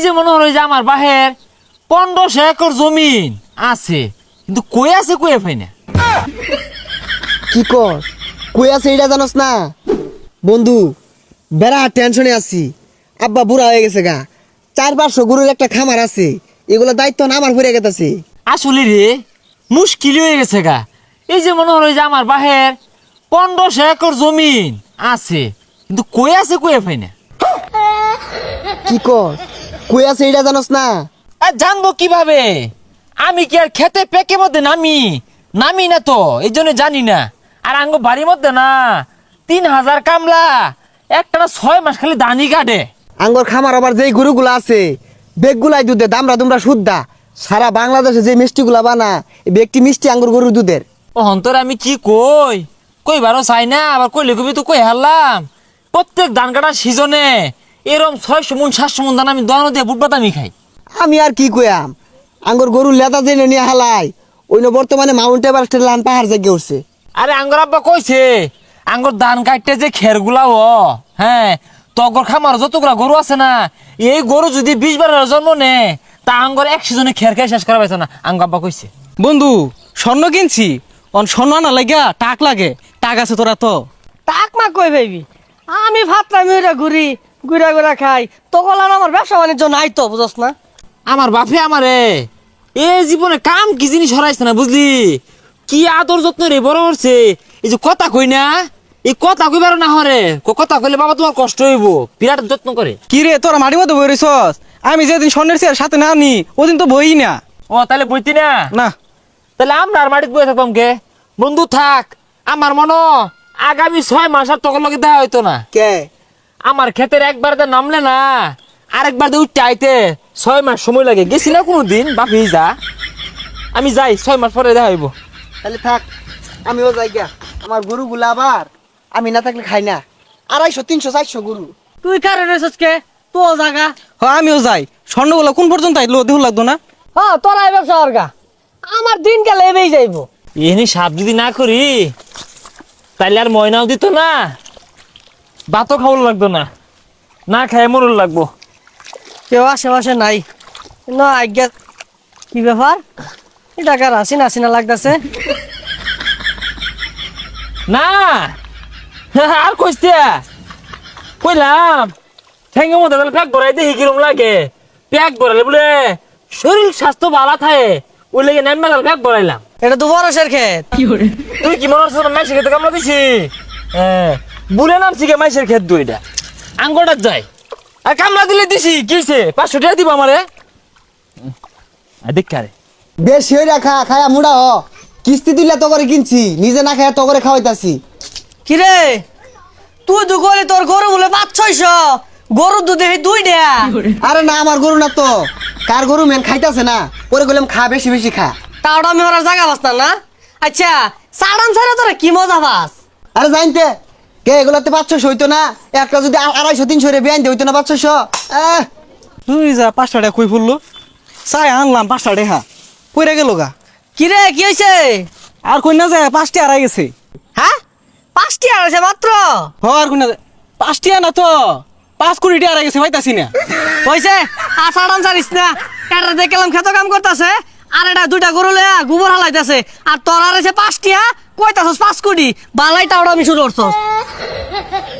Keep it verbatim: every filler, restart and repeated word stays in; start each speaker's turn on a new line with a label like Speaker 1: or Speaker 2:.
Speaker 1: যে মনে হলো যে আমার বাহের পনেরোশো একর জমিন আছে, কিন্তু কই আছে কই পাই না।
Speaker 2: কি কর কই আছে এটা জানোস না বন্ধু? বেড়া টেনশনে আছি। আব্বা বুড়া হয়ে গেছে গা, চার পাঁচশো গরুর একটা খামার আছে, এগুলো দায়িত্ব না আমার পড়ে গেছে।
Speaker 1: আসলে রে মুশকিল হয়ে গেছে গা। এই যে মনে হলো যে আমার বাহের পনেরোশো একর জমিন আছে, কিন্তু কই আছে কই পাই না।
Speaker 2: কি কর কই আছে এটা জানোস না?
Speaker 1: আর জানবো কিভাবে? আমি কি আর খেতে পেকে মধ্যে নামি নামি না তো, এই জন্য জানি না। আর আঙ্গ বাড়ির মধ্যে না তিন হাজার কামলা একটা না ছয় মাস খালি দানি কাটে।
Speaker 2: আঙ্গর খামার আবার যেই গরুগুলো আছে বেগগুলাই দুধে দামরা দুমরা শুদ্ধা। সারা বাংলাদেশে যে মিষ্টিগুলা বানা এই বেগটি মিষ্টি আঙ্গুর গরুর দুধের।
Speaker 1: ও হন্তর আমি কি কই কইবারও চাই না, আবার কইলে কবি তো কই হারলাম। প্রত্যেক ধান কাটার সিজনে এরম ছয়শো মন সাতশো মন ধান আমি দোকানো দিয়ে বুট বাদামি খাই।
Speaker 2: আমি আর কি কইয়াম, আঙ্গর গরুর লেদা জেনে নিয়ে হালাই ওই বর্তমানে মাউন্ট এভারেস্টের লান পাহাড় জেগে উঠছে।
Speaker 1: আরে আঙ্গর আব্বা কইছে আঙ্গর ধান কাটতে যে খেরগুলা ও হ্যাঁ তগর খামার যতগুলা গরু আছে না, এই গরু যদি বিশ বারের জন্ম নে তা আঙ্গর এক সিজনে খের খেয়ে শেষ করা পাইছে না, আঙ্গ আব্বা কইছে।
Speaker 3: বন্ধু স্বর্ণ কিনছি, অন স্বর্ণ আনা লাগা টাক লাগে, টাক আছে তোরা তো?
Speaker 4: টাক মা কই ভাইবি, আমি ভাবলাম ওইটা ঘুরি ঘুরা ঘুরা খাই, তখন আর আমার ব্যবসা বাণিজ্য নাই তো, বুঝস না?
Speaker 1: আমার বাপে আমারে এ জীবনে কাম কি জিনিস হরাইছে না বুঝলি, কি আদর যত্ন রে বড় করছে। এই যে কথা কই না, এই কথা কইবার না হরে কথা কইলে বাবা তোমার কষ্ট হইব, বিরাট যত্ন করে।
Speaker 3: কি রে তোরা মাটির মধ্যে বই রইছস? আমি যেদিন স্বর্ণের চেয়ার সাথে না আনি ওদিন তো বই না।
Speaker 1: ও তাহলে বইতি না?
Speaker 3: না
Speaker 1: তাহলে আমরা আর মাটিতে বসে থাকতাম কে? বন্ধু থাক, আমার মনে আগামী ছয় মাস আর তখন লগে দেখা হইতো না।
Speaker 2: কে
Speaker 1: আমার ক্ষেতের একবার তো নামলে না আরেকবার তো উঠতে আইতে ছয় মাস সময় লাগে। গেছি না কোনোদিন বাপি যা, আমি যাই ছয় মাস পরে দেখা হইব।
Speaker 2: তাহলে থাক, আমিও যাই গা। আমার গরুগুলা আবার আমি না থাকলে খাই না, আড়াইশো তিনশো চারশো গরু।
Speaker 4: তুই কারে রয়েছিস কে? তো জাগা
Speaker 3: হ আমিও যাই। স্বর্ণগুলো কোন পর্যন্ত আইলো দেহ লাগতো না?
Speaker 4: হ্যাঁ তোরাই ব্যবসা অর্গা, আমার দিন গেলে এবেই যাইব।
Speaker 1: এনে সাপ যদি না করি তাইলে আর ময়নাও দিত না, ভাতও খাওয়ার লাগতো না, না খাই মরুর লাগবো।
Speaker 4: কেউ আশেপাশে নাই না আজ্ঞা। কি ব্যাপার, এটা কার হাসিনা হাসিনা লাগতেছে?
Speaker 1: না আর কইতে কইলাম ঠেঙ্গের মধ্যে প্যাক ভরাই দেখি কিরম লাগে। প্যাক ভরালে বলে শরীর স্বাস্থ্য ভালো থাকে, ওই লেগে নাম প্যাক ভরাইলাম।
Speaker 4: এটা তো বরসের ক্ষেত।
Speaker 1: তুই কি মনে হচ্ছে মাইসের খেতে কামলা দিছি? হ্যাঁ বুলে নামছি কে মাইসের খেত দুইটা আঙ্গটার যাই আর কামলা দিলে দিছি কি হয়েছে? পাঁচশো টাকা দিব আমারে দেখ রে।
Speaker 2: বেশি হয়ে রাখা খায়া মুড়া হ, কিস্তি দিলে তো করে কিনছি, নিজে না খায়া তো করে খাওয়াইতাছি।
Speaker 4: কিরে তুই তো গলি তোর গরু বলে পাঁচ ছয়শ, গরুর দুধে দুই ডেয়া।
Speaker 2: আরে না আমার গরু না তো, কার গরু মেন খাইতাছে না, পরে গেলাম খা বেশি বেশি খা।
Speaker 4: তাওটা আমি ওরা জায়গা বাস না। আচ্ছা সাড়ান ছাড়া তোরা কি মজা পাস?
Speaker 2: আরে জানতে কে এগুলাতে পাঁচশো হইতো না, একটা যদি আ- আড়াইশো তিনশো রে বেআইন হইতো না পাঁচশো।
Speaker 3: তুই যা পাঁচটা টাকা কই পড়লো, চাই আনলাম পাঁচটা টাকা কইরা গেল গা।
Speaker 4: কিরে কি হয়েছে?
Speaker 3: আর কই না যায় পাঁচটি আড়াই গেছে।
Speaker 4: হ্যাঁ পাঁচটি আড়াইছে মাত্র?
Speaker 3: হ আর কই না যায় পাঁচটি না তো পাঁচ কোটি আড়াই গেছে পাইতাছি না।
Speaker 4: হয়েছে আর সাড়ান ছাড়িস না, এটা দেখলাম খেত কাম করতেছে আর এটা দুইটা গরু লয়া গোবর হালাইতেছে, আর তোর আর এসে পাঁচটি হ্যাঁ কইতাছস পাঁচ কোটি বালাই টাওটা আমি শুরু করছস।